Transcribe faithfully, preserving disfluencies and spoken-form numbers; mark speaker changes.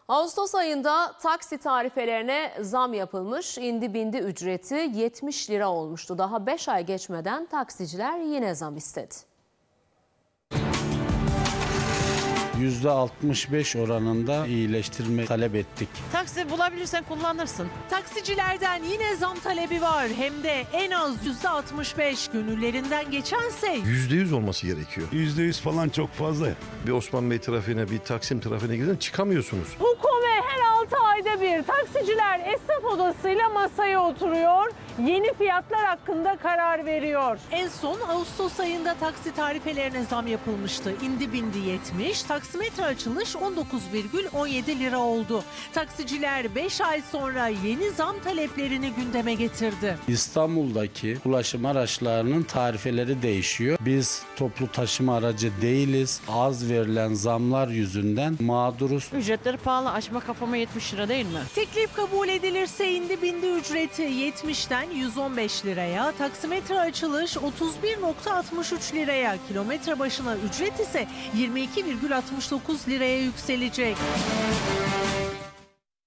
Speaker 1: Ağustos ayında taksi tarifelerine zam yapılmış. İndi bindi ücreti yetmiş lira olmuştu. Daha beş ay geçmeden taksiciler yine zam istedi.
Speaker 2: yüzde altmış beş oranında iyileştirme talep ettik.
Speaker 3: Taksi bulabilirsen kullanırsın.
Speaker 4: Taksicilerden yine zam talebi var. Hem de en az yüzde altmış beş. Gönüllerinden geçense
Speaker 5: yüzde yüz olması gerekiyor.
Speaker 6: yüzde yüz falan çok fazla.
Speaker 5: Bir Osman Bey trafiğine, bir Taksim trafiğine gidin, çıkamıyorsunuz.
Speaker 4: Hukome her altı ayda bir taksiciler esnaf odasıyla masaya oturuyor. Yeni fiyatlar hakkında karar veriyor. En son Ağustos ayında taksi tarifelerine zam yapılmıştı. İndi bindi yetmiş, taksimetre açılış on dokuz virgül on yedi lira oldu. Taksiciler beş ay sonra yeni zam taleplerini gündeme getirdi.
Speaker 2: İstanbul'daki ulaşım araçlarının tarifeleri değişiyor. Biz toplu taşıma aracı değiliz. Az verilen zamlar yüzünden mağduruz.
Speaker 3: Ücretleri pahalı. Açma kapama yetmiş lira değil mi?
Speaker 4: Teklif kabul edilirse indi bindi ücreti yetmişten yüz on beş liraya, taksimetre açılış otuz bir virgül altmış üç liraya, kilometre başına ücret ise yirmi iki virgül altmış dokuz liraya yükselecek.